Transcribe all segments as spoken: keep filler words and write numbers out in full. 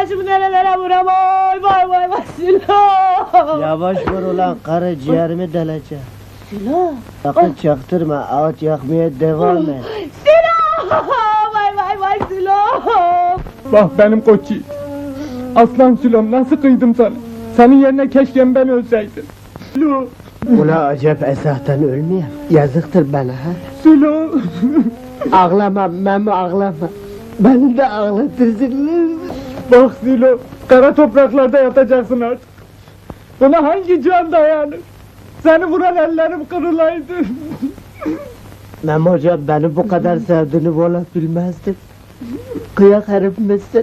başımı nerelere vuram oy vay vay vay Sülo. Yavaş vur ulan karı, ciğerimi deleceğim. Sülo. Sakın çaktırma, ağaç yakmaya devam et. Sülo. Vay vay vay Sülo. Bak benim koç yiğit. Aslan Sülom, nasıl kıydım sana? Senin yerine keşke ben ölseydim. Sülo, Ula acep esahtan ölmeyeyim. Yazıktır bana ha. Sülo. Ağlama Memo, ağlama. Beni de ağlatırsın. Bak Sülo, kara topraklarda yatacaksın artık. Buna hangi can dayanır? Seni vuran ellerim kırılaydı. Memo hocam, beni bu kadar sevdiğini valla bilmezdim. Kıyak herif misin?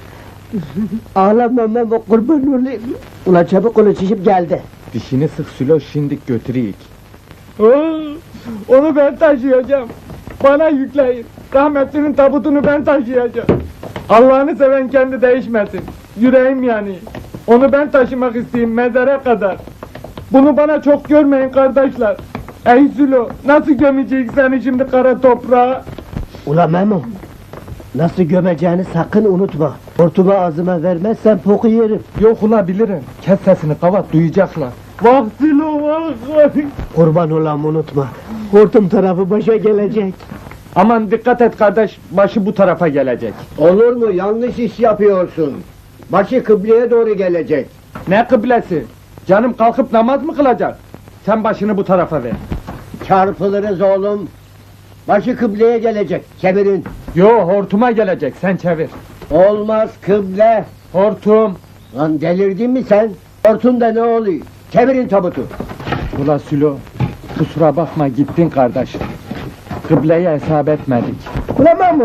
Ağlama Memo, kurban olayım. Ula çabuk ula, çişip geldi. Dişini sık Sülo, şimdik götüreyik. Oo, onu ben taşıyacağım. Bana yükleyin. Rahmetlinin tabutunu ben taşıyacağım. Allah'ını seven kendi değişmesin. Yüreğim yani. Onu ben taşımak isteyeyim mezara kadar. Bunu bana çok görmeyin kardeşler. Ey Sülo, nasıl gömecek seni şimdi kara toprağa? Ula Memo, nasıl gömeceğini sakın unutma. Hortumu ağzıma vermezsen poku yerim. Yok ula bilirim. Kes sesini kavat, duyacaklar. Vah Sülo vah! Kurban olam, unutma. Hortum tarafı başa gelecek. Aman dikkat et kardeş, başı bu tarafa gelecek. Olur mu? Yanlış iş yapıyorsun. Başı kıbleye doğru gelecek. Ne kıblesi? Canım kalkıp namaz mı kılacak? Sen başını bu tarafa ver. Çarpılırız oğlum. Başı kıbleye gelecek. Çevirin. Yo, hortuma gelecek, sen çevir. Olmaz kıble. Hortum. Lan delirdin mi sen? Hortunda ne oluyor? Çevirin tabutu. Ula Sülo, kusura bakma gittin kardeş. Kıbleye hesap etmedik. Ula Memo!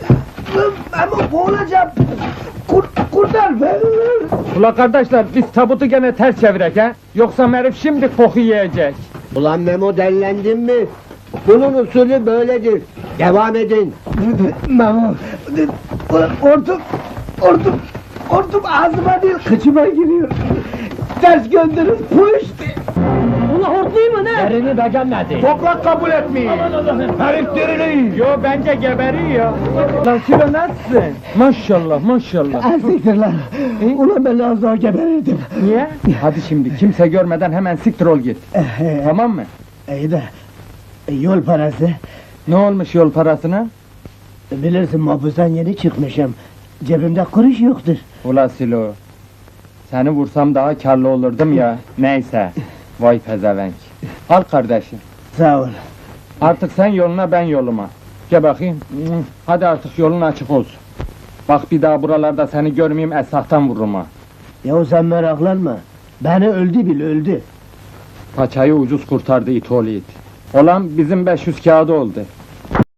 Memo, boğulacağım! Kur, kurtar beni! Ula kardeşler, biz tabutu gene ters çevirek ha? Yoksa herif şimdi koku yiyecek. Ulan Memo, dellendin mi? Bunun usulü böyledir. Devam edin. Memo! Ulan hortum! Hortum! Hortum ağzıma değil, kıçıma giriyor! Ters gönderin, puşt! Ula hortlayayım mı ne? Yerini beğenmedi! Toprak kabul etmiyor. Herif diriliyor. Yo, bence geberiyor. Lan Sülo nasılsın? Maşallah maşallah. Siktir lan! Ulan ben az daha geberirdim! Niye? Hadi şimdi kimse görmeden hemen siktir ol git. Tamam mı? İyi de, yol parası. Ne olmuş yol parasına? Bilirsin, mahpustan yeni çıkmışım. Cebimde kuruş yoktur. Ula Sülo, seni vursam daha karlı olurdum ya. Neyse, vay pezevenk. Al kardeşim, Sağ ol. artık sen yoluna ben yoluma. Gel bakayım, hadi artık yolun açık olsun. Bak bir daha buralarda seni görmeyeyim, esahtan vururum ha. Yahu sen meraklanma. Beni öldü bil, öldü. Paçayı ucuz kurtardı it oğlu it. Olan bizim beş yüz kağıdı oldu.